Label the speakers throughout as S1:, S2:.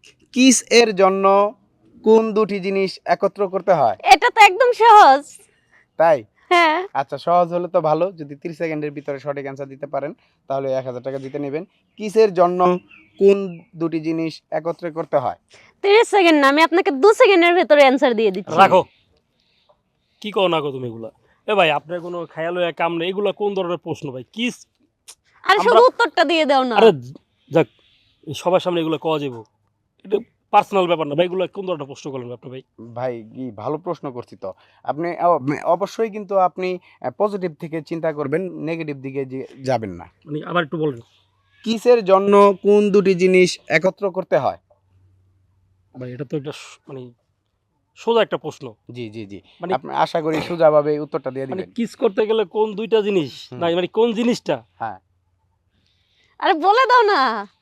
S1: Kiss এর জন্য কোন দুটি জিনিস একত্র করতে হয়?
S2: এটা তো একদম সহজ।
S1: তাই?
S2: হ্যাঁ।
S1: আচ্ছা, সহজ হলে তো ভালো। যদি 30 সেকেন্ডের ভিতরে সঠিক অ্যান্সার দিতে পারেন তাহলে 1000 টাকা জিতে নেবেন। কিসের জন্য কোন দুটি জিনিস একত্রে করতে হয়?
S2: 30 সেকেন্ড না, আমি আপনাকে 2 সেকেন্ডের ভেতরে অ্যান্সার দিয়ে দিচ্ছি।
S3: রাখো, কি কও না কো তুমি এগুলা? এ ভাই আপনার কোনো খেয়াল হয়ে কাম নেই, এগুলা কোন ধরনের প্রশ্ন ভাই? কিস
S2: আরে শুধু উত্তরটা দিয়ে দাও না।
S3: আরে যাক, এই সবার সামনে এগুলো কওয়া যাবো, এটা পার্সোনাল ব্যাপার না ভাই। এগুলো কোন ধরনের প্রশ্ন করলেন আপনি ভাই?
S1: ভাই কি ভালো প্রশ্ন করছি তো। আপনি অবশ্যই কিন্তু আপনি পজিটিভ থেকে চিন্তা করবেন, নেগেটিভ দিকে যাবেন না।
S3: মানে আবার একটু বলেন
S1: কিসের জন্য কোন দুটি জিনিস একত্র করতে হয়?
S3: ভাই। এটা তো একটা মানে সোজা একটা প্রশ্ন।
S1: জি জি জি,
S3: মানে
S1: আপনি আশা করি সোজাভাবে উত্তরটা দিয়ে
S3: মানে
S1: দিবেন।
S3: কিস করতে গেলে কোন দুইটা জিনিস, না মানে কোন জিনিসটা?
S1: হ্যাঁ,
S2: আরে বলে দাও না,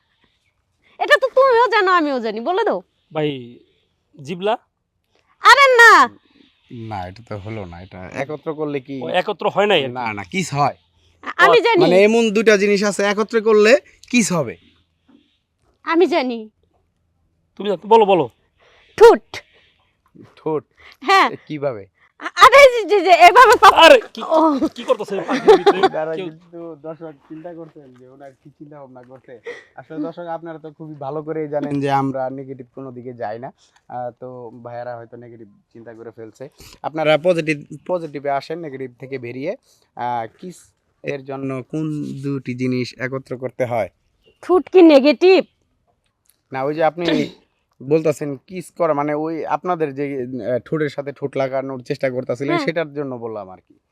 S2: এটা তো তুমিও জানো আমিও জানি, বলে দাও।
S3: ভাই জিবলা।
S2: আরে না,
S1: না এটা তো হলো না। এটা একত্র করলে কি?
S3: ও একত্র হয় নাই আর কি।
S1: না না, কিস হয়।
S2: আমি জানি,
S1: মানে এমন দুটা জিনিস আছে একত্রে করলে কিস হবে।
S2: আমি জানি।
S3: তুমি জানো? বলো বলো।
S2: ঠুট।
S1: ঠোঁট?
S2: হ্যাঁ।
S1: কিভাবে?
S2: আরে যে এভাবে
S3: আরে কি
S2: ও
S3: কি করতেছে পাখির ভিতরে?
S1: যারা
S3: কেউ-
S1: কিন্তু দর্শক চিন্তা করছেন যে ওনার কি চিন্তা ভাবনা করছে। আসলে দর্শক আপনারা তো খুবই ভালো করেই জানেন যে আমরা নেগেটিভ কোনো দিকে যাই না। তো ভাইয়ারা হয়তো নেগেটিভ চিন্তা করে ফেলছে। আপনারা পজিটিভে আসেন, নেগেটিভ থেকে বেরিয়ে। কিস এর জন্য কোন দুটি জিনিস একত্র করতে হয়?
S2: ঠুট কি নেগেটিভ?
S1: না, ওই যে আপনি বলতেছেন কিস করা, মানে ওই আপনাদের যে ঠোঁটের সাথে ঠোঁট লাগানোর চেষ্টা করতেছিলেন
S2: হ্যাঁ।
S1: সেটার জন্য বললাম আর কি।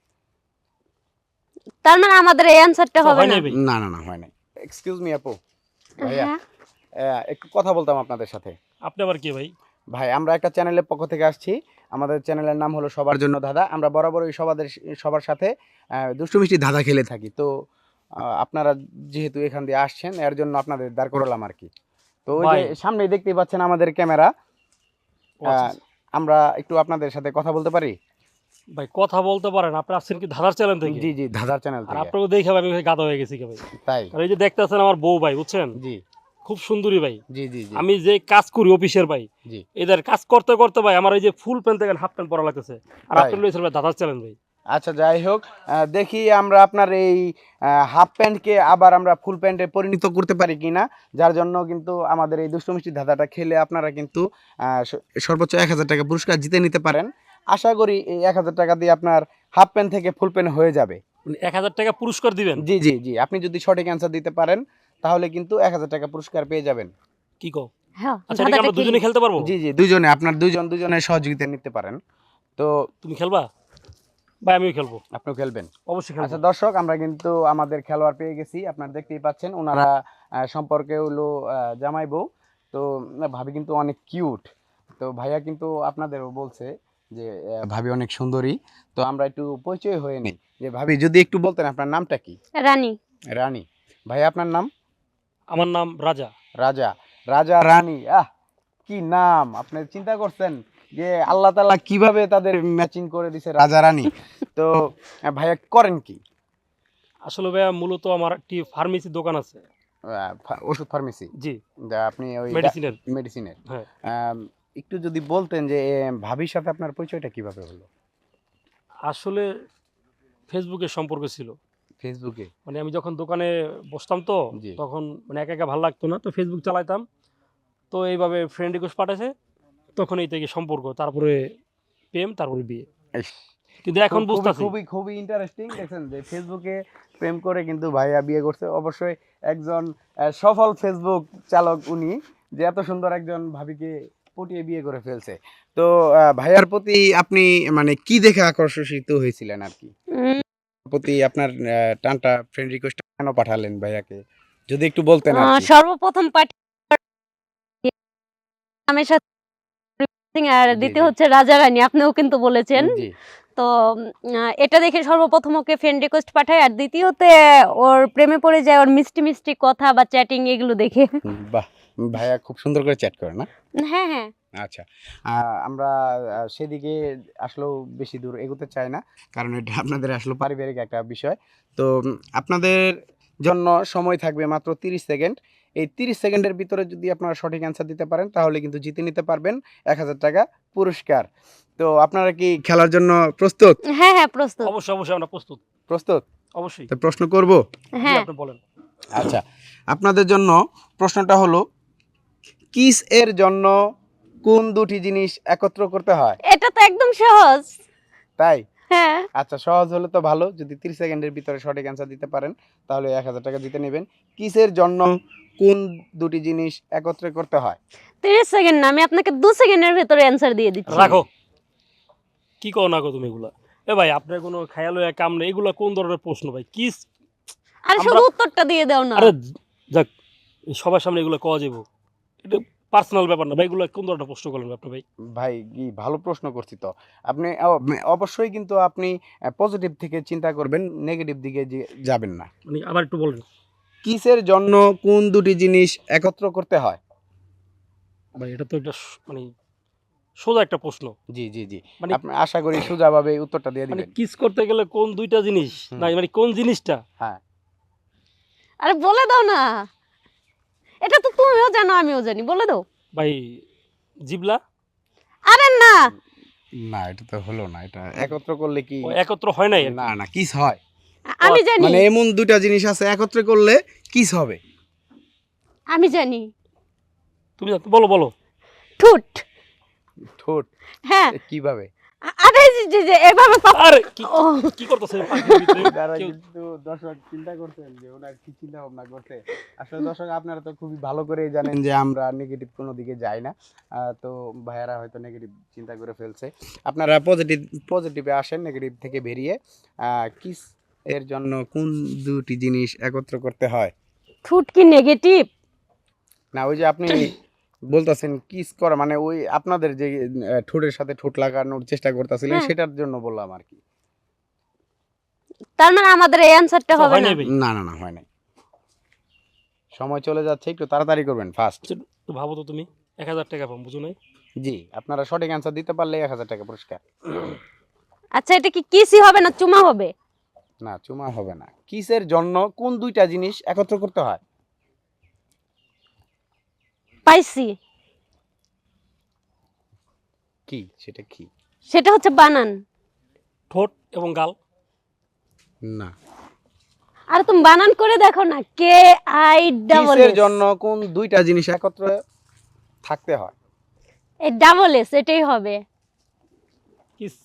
S2: তার মানে আমাদের এই অ্যানসারটা
S3: আচ্ছা,
S2: হবে
S3: হয়
S2: না।
S3: নাই ভাই।
S1: না না না, হয় নাই। এক্সকিউজ মি আপু, ভাইয়া,
S2: হ্যাঁ।
S1: একটু কথা বলতাম আপনাদের সাথে।
S3: আপনি আবার কি ভাই?
S1: ভাই, আমরা একটা চ্যানেলের পক্ষ থেকে আসছি। আমাদের চ্যানেলের নাম হলো সবার জন্য ধাঁধা। আমরা বরাবরই সবার সাথে দুষ্টু মিষ্টি ধাঁধা খেলে থাকি। তো আপনারা যেহেতু এখান দিয়ে আসছেন, এর জন্য আপনাদের দাঁড় করালাম আর কি। তো ওই যে
S3: ভাই।
S1: সামনেই দেখতেই পাচ্ছেন আমাদের ক্যামেরা।
S3: ও আচ্ছা,
S1: আমরা একটু আপনাদের সাথে কথা বলতে পারি?
S3: ভাই কথা বলতে পারেন? আপনি আসছেন কি ধাঁধার চ্যানেল থেকে?
S1: জি জি, ধাঁধার চ্যানেল
S3: আর
S1: থেকে।
S3: আপনাকে দেখে ভাই আমি গাধা হয়ে গেছি কি ভাই।
S1: তাই?
S3: আর এই যে দেখতেছেন আমার বউ ভাই, বুঝছেন,
S1: জি
S3: খুব সুন্দরী ভাই।
S1: জি জি জি
S3: আমি যে কাজ করি অফিসের ভাই,
S1: জি।
S3: এদের কাজ করতে করতে ভাই আমার এই যে ফুল প্যান্ট থেকে হাফ প্যান্ট পরা লাগতেছে। আর
S1: তাই?
S3: আপনি লইছেন ভাই ধাঁধার চ্যানেল ভাই।
S1: আচ্ছা, যাই হোক, দেখি আমরা আপনার এই হাফ প্যান্টকে আবার আমরা ফুল প্যান্টে পরিণত করতে পারি কিনা। যার জন্য কিন্তু আমাদের এই দুষ্টু মিষ্টি ধাঁধাটা খেলে আপনারা কিন্তু সর্বোচ্চ 1000 টাকা পুরস্কার জিতে নিতে পারেন। আশা করি এই 1000 টাকা দিয়ে আপনার হাফ প্যান্ট থেকে ফুল প্যান্ট হয়ে যাবে।
S3: মানে 1000 টাকা পুরস্কার দিবেন?
S1: জি জি জি, আপনি যদি সঠিক অ্যান্সার দিতে পারেন তাহলে কিন্তু 1000 টাকা পুরস্কার পেয়ে যাবেন।
S3: কি কও?
S2: হ্যাঁ,
S3: আচ্ছা, এটা কি আমরা দুজনে খেলতে পারবো?
S1: জি জি, দুজনে, আপনার দুজনের সহযোগিতা নিতে পারেন। তো
S3: তুমি খেলবা ভাই? আমিও খেলবো,
S1: আপনিও খেলবেন?
S3: অবশ্যই খেলবো।
S1: আচ্ছা দর্শক, আমরা কিন্তু আমাদের খেলোয়াড় পেয়ে গেছি। আপনারা দেখতেই পাচ্ছেন ওনারা সম্পর্কে হলো জামাই বউ। তো ভাবি কিন্তু অনেক কিউট। তো ভাইয়া কিন্তু আপনাদেরও বলছে যে ভাবি অনেক সুন্দরী। তো আমরা একটু পরিচয় হয়ে নেই। যে ভাবি, যদি একটু বলতেন আপনার নামটা কি?
S2: রানী।
S1: রানী। ভাইয়া আপনার নাম?
S3: আমার নাম রাজা।
S1: রাজা। রাজা রানী, কি নাম! আপনি চিন্তা করছেন যে আল্লাহ তাআলা কিভাবে তাদের ম্যাচিং করে দিছে রাজা রানী। তো ভাইয়া করেন কি?
S3: আসলে ভাইয়া মূলত আমার একটি ফার্মেসি দোকান আছে।
S1: ওষুধ ফার্মেসি?
S3: জি,
S1: যা আপনি ওই
S3: মেডিসিনের।
S1: মেডিসিনের।
S3: হ্যাঁ,
S1: একটু যদি বলতেন যে ভাবির সাথে আপনার পরিচয়টা কিভাবে হলো?
S3: আসলে ফেসবুকে সম্পর্ক ছিল।
S1: ফেসবুকে?
S3: মানে আমি যখন দোকানে বসতাম তো
S1: জি।
S3: তখন মানে একা একা ভালো লাগতো না, তো ফেসবুক চালাইতাম। তো এইভাবে ফ্রেন্ড রিকোয়েস্ট পাঠাইছে, তখন এই থেকে সম্পর্ক, তারপরে প্রেম, তারপরে বিয়ে।
S1: ইস,
S3: কিন্তু এখন
S1: খুবই
S3: বুঝতেছি
S1: খুবই খুবই ইন্টারেস্টিং। দেখছেন যে ফেসবুকে প্রেম করে কিন্তু ভাইয়া বিয়ে করছে। অবশ্যই একজন সফল ফেসবুক চালক উনি, যে এত সুন্দর একজন ভাবিকে পটিয়ে বিয়ে করে ফেলছে। তো ভাইয়ার প্রতি আপনি মানে কি দেখে আকর্ষিত হয়েছিলেন আর কি?
S2: উম,
S1: প্রতি আপনার টানটা, ফ্রেন্ড রিকোয়েস্ট কেন পাঠালেন ভাইয়াকে? যদি একটু বলতেন আর কি।
S2: সর্বপ্রথম পার্টি নামের সাথে আর
S1: জি
S2: দ্বিতীয়
S1: জি
S2: হচ্ছে রাজা রানী, আপনিও কিন্তু বলেছেন।
S1: জি।
S2: তো এটা দেখে সর্বপ্রথম ওকে ফ্রেন্ড রিকোয়েস্ট পাঠায়, আর দ্বিতীয়তে ওর প্রেমে পড়ে যায় ওর মিষ্টি মিষ্টি কথা বা চ্যাটিং এগুলো দেখে।
S1: বাহ! ভাইয়া খুব সুন্দর করে চ্যাট করে না?
S2: হ্যাঁ হ্যাঁ।
S1: আচ্ছা। আমরা সেদিকে আসলেও বেশি দূর এগোতে চাই না। কারণ এটা আপনাদের আসলে পারিবারিক একটা বিষয়। তো আপনাদের জন্য সময় থাকবে মাত্র 30 সেকেন্ড। এই 30 সেকেন্ডের ভিতরে যদি আপনারা সঠিক অ্যান্সার দিতে পারেন তাহলে কিন্তু জিতে নিতে পারবেন 1000 টাকা পুরস্কার। তো আপনারা কি খেলার জন্য প্রস্তুত?
S2: হ্যাঁ হ্যাঁ প্রস্তুত।
S3: অবশ্যই অবশ্যই আমরা প্রস্তুত,
S1: প্রস্তুত?
S3: অবশ্যই।
S1: তো প্রশ্ন করব?
S3: জি,
S2: হ্যাঁ
S3: আপনি বলেন।
S1: আচ্ছা, আপনাদের জন্য প্রশ্নটা হলো, কিস এর জন্য কোন দুটি জিনিস একত্র করতে হয়?
S2: এটা তো একদম সহজ।
S1: তাই?
S2: হ্যাঁ
S1: আচ্ছা, সহজ হলে তো ভালো। যদি 30 সেকেন্ডের ভিতরে সঠিক অ্যান্সার দিতে পারেন তাহলে 1000 টাকা জিতে নেবেন। কিসের জন্য কোন দুটি জিনিস একত্রে করতে হয়?
S2: 30 সেকেন্ড না, আমি আপনাকে 2 সেকেন্ডের ভেতরে অ্যান্সার দিয়ে দিচ্ছি।
S3: রাখো, কি কও না কো তুমি এগুলা? এ ভাই, আপনার কোনো খেয়াল হয়ে কাম নেই, এগুলা কোন ধরনের প্রশ্ন ভাই? কি
S2: আর শুধু উত্তরটা দিয়ে দাও না।
S3: আরে যাক, এই সবার সামনে এগুলো কওয়া যাবো? এটা পার্সোনাল ব্যাপার না ভাই, এগুলো কোন ধরনের প্রশ্ন করলেন আপনি ভাই?
S1: ভাই কি ভালো প্রশ্ন করছি তো। আপনি অবশ্যই কিন্তু আপনি পজিটিভ থেকে চিন্তা করবেন, নেগেটিভ দিকে যাবেন না।
S3: মানে আবার একটু বলেন।
S1: কিসের জন্য কোন দুটি জিনিস একত্র করতে হয়?
S3: ভাই এটা তো একটা মানে সোজা একটা প্রশ্ন।
S1: জি জি জি,
S3: মানে
S1: আপনি আশা করি সোজাভাবে উত্তরটা দিয়ে
S3: মানে
S1: দিবেন।
S3: কিস করতে গেলে কোন দুইটা জিনিস, না মানে কোন জিনিসটা?
S1: হ্যাঁ,
S2: আরে বলে দাও না, এটা তো তুমিও জানো আমিও জানি, বলে দাও।
S3: ভাই জিবলা।
S2: আরে না,
S1: না এটা তো হলো না। এটা একত্র করলে কি?
S3: ও একত্র হয় নাই আর কি।
S1: না না, কিস হয়।
S2: আমি জানি,
S1: মানে এমন দুইটা জিনিস আছে একত্রে করলে কিস হবে।
S2: আমি জানি।
S3: তুমি বলো বলো।
S2: ঠুট।
S1: ঠোঁট?
S2: হ্যাঁ,
S1: কিভাবে?
S2: আরে যে এভাবে
S3: আরে কি
S2: ও
S3: কি করতেছে পাখির ভিতরে?
S1: যারা
S3: কেউ-
S1: কিন্তু দর্শক চিন্তা করছেন যে ওনার কি চিন্তা ভাবনা করছে। আসলে দর্শক আপনারা তো খুবই ভালো করেই জানেন যে আমরা নেগেটিভ কোনো দিকে যাই না। তো ভাইয়ারা হয়তো নেগেটিভ চিন্তা করে ফেলছে। আপনারা পজিটিভে আসেন, নেগেটিভ থেকে বেরিয়ে। কিস এর জন্য কোন দুটি জিনিস একত্র করতে হয়?
S2: ঠুট কি নেগেটিভ?
S1: না, ওই যে আপনি বলতেছেন কিস করা, মানে ওই আপনাদের যে ঠোঁটের সাথে ঠোঁট লাগানোর চেষ্টা করতেছিলেন
S2: হ্যাঁ।
S1: সেটার জন্য বললাম আর কি।
S2: তার মানে আমাদের এই অ্যান্সারটা হবে
S3: হয়
S2: না।
S3: নাই ভাই?
S1: না না না, হয় নাই। সময় চলে যাচ্ছে, একটু তাড়াতাড়ি করবেন, ফাস্ট।
S3: একটু ভাবো তো তুমি। 1000 টাকা পাবো, বুঝো নাই?
S1: জি, আপনারা সঠিক অ্যান্সার দিতে পারলে 1000 টাকা পুরস্কার।
S2: আচ্ছা, এটা কি কিসই হবে না চুমা হবে?
S1: না, চুমা হবে না। কিসের জন্য কোন দুইটা জিনিস একত্র করতে হয়?
S2: পাইছি,
S1: কি সেটা কি?
S2: সেটা হচ্ছে বানান।
S3: ঠোঁট এবং গাল।
S1: না।
S2: আর তুমি বানান করে দেখো না, কে আই ডাবল
S1: কিসের
S2: এস।
S1: জন্য কোন দুইটা জিনিস একত্র থাকতে হয়?
S2: এই ডাবল এস এটাই হবে।
S3: Kiss.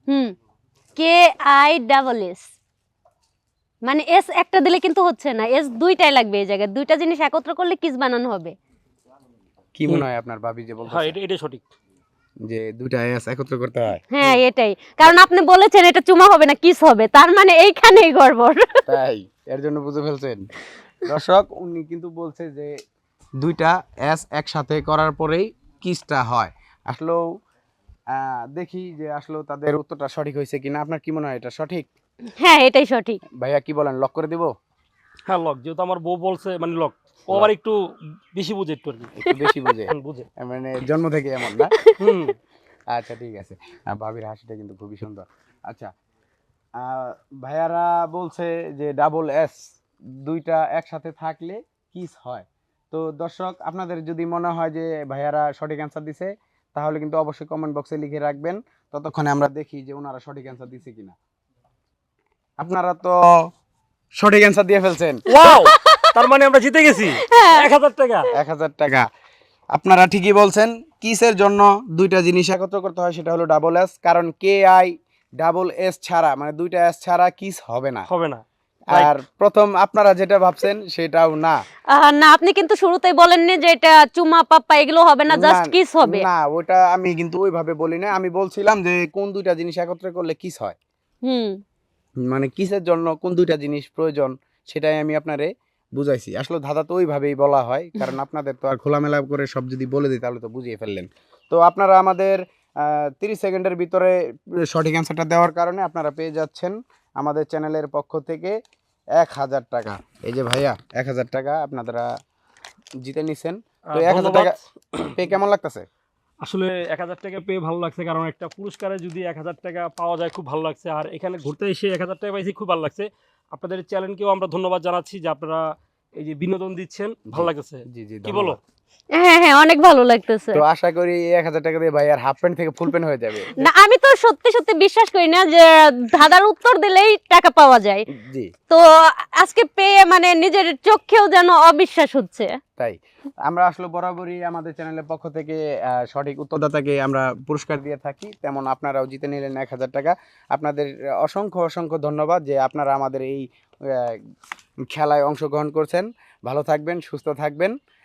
S2: K I double S, মানে এস একটা দিলে কিন্তু হচ্ছে না, এস দুইটাই লাগবে। এই জায়গায় দুইটা জিনিস একত্র করলে কিস বানানো হবে।
S1: কি মনে হয় আপনার ভাবি যে
S3: হ্যাঁ,
S1: বলতেছে
S3: এটা সঠিক।
S1: যে দুইটা এস একত্র করতে হয়?
S2: হ্যাঁ এটাই, কারণ আপনি বলেছেন এটা চুমা হবে না কিস হবে, তার মানে এইখানেই গড়বড়।
S1: তাই এর জন্য বুঝে ফেলছেন। দর্শক উনি কিন্তু বলছে যে দুইটা এস একসাথে করার পরেই কিসটা হয়। আসলেও দেখি যে আসলে তাদের উত্তরটা সঠিক হয়েছে কিনা। আপনার কি মনে হয় এটা সঠিক?
S2: হ্যাঁ এটাই সঠিক।
S1: ভাইয়া কি বলেন, লক করে দিব?
S3: হ্যাঁ লক, যেহেতু আমার বউ বলছে মানে লক। ও আবার একটু বেশি বুঝে একটু আর কি।
S1: একটু বেশি বুঝে,
S3: বুঝে।
S1: মানে জন্ম থেকে এমন না।
S3: হুম।
S1: আচ্ছা ঠিক আছে। ভাবির হাসিটা কিন্তু খুবই সুন্দর। আচ্ছা, ভাইয়ারা বলছে যে ডাবল এস দুইটা একসাথে থাকলে কিস হয়। তো দর্শক আপনাদের যদি মনে হয় যে ভাইয়ারা সঠিক অ্যান্সার দিছে তাহলে কিন্তু অবশ্যই কমেন্ট বক্সে লিখে রাখবেন। ততক্ষণে আমরা দেখি যে ওনারা সঠিক অ্যান্সার দিছে কিনা। আপনারা তো সঠিক অ্যান্সার দিয়ে ফেলছেন।
S3: ওয়াও, তার মানে আমরা জিতে গেছি 1000 টাকা।
S1: 1000 টাকা। আপনারা ঠিকই বলছেন, কিসের জন্য দুইটা জিনিস একত্র করতে হয় সেটা হলো ডাবল এস। কারণ কে আই ডাবল এস ছাড়া, মানে দুইটা এস ছাড়া কিস হবে না।
S3: হবে না।
S1: আর প্রথম আপনারা যেটা ভাবছেন সেটাও না।
S2: না, আপনি কিন্তু শুরুতেই বলেননি যে এটা চুমা পাপ্পা এগুলো হবে না, জাস্ট কিস হবে।
S1: না, ওটা আমি কিন্তু ওইভাবে বলি না। আমি বলছিলাম যে কোন দুইটা জিনিস একত্রে করলে কিস হয়,
S2: হুম
S1: মানে কিসের জন্য কোন দুইটা জিনিস প্রয়োজন সেটাই আমি আপনারে বুঝাইছি। আসলে ধাঁধা তো ওইভাবেই বলা হয়, কারণ আপনাদের তো আর খোলামেলা করে সব যদি বলে দিই তাহলে তো বুঝিয়ে ফেললেন। তো আপনারা আমাদের 30 সেকেন্ডের ভিতরে সঠিক অ্যান্সারটা দেওয়ার কারণে আপনারা পেয়ে যাচ্ছেন আমাদের চ্যানেলের পক্ষ থেকে 1000 টাকা। এই যে ভাইয়া 1000 টাকা আপনারা জিতে নিছেন। তো 1000 টাকা পেয়ে কেমন লাগতেছে?
S3: আসলে 1000 টাকা পেয়ে ভালো লাগছে, কারণ একটা পুরস্কারে যদি 1000 টাকা পাওয়া যায় খুব ভালো লাগছে। আর এখানে ঘুরতে এসে 1000 টাকা পাইছি, খুব ভালো লাগছে। আপনাদের চ্যানেলকেও আমরা ধন্যবাদ জানাচ্ছি যে আপনারা এই যে বিনোদন দিচ্ছেন, ভালো লাগতেছে।
S1: জি জি
S3: কি বলো?
S2: হ্যাঁ হ্যাঁ, অনেক ভালো লাগতেছে।
S1: তো আশা করি 1000 টাকা দিয়ে ভাই আর হাফ প্যান্ট থেকে ফুল প্যান্ট হয়ে যাবে।
S2: না, আমি তো সত্যি সত্যি বিশ্বাস করি না যে ধাঁধার উত্তর দিলেই টাকা পাওয়া যায়।
S1: জি
S2: তো আজকে পেয়ে মানে নিজের চোখেও যেন অবিশ্বাস হচ্ছে।
S1: তাই আমরা আসলে বরাবরই আমাদের চ্যানেলের পক্ষ থেকে সঠিক উত্তরদাতাকে আমরা পুরস্কার দিয়ে থাকি, তেমন আপনারাও জিতে নিলেন 1000 টাকা। আপনাদের অসংখ্য অসংখ্য ধন্যবাদ যে আপনারা আমাদের এই খেলায় অংশগ্রহণ করছেন। ভালো থাকবেন, সুস্থ থাকবেন।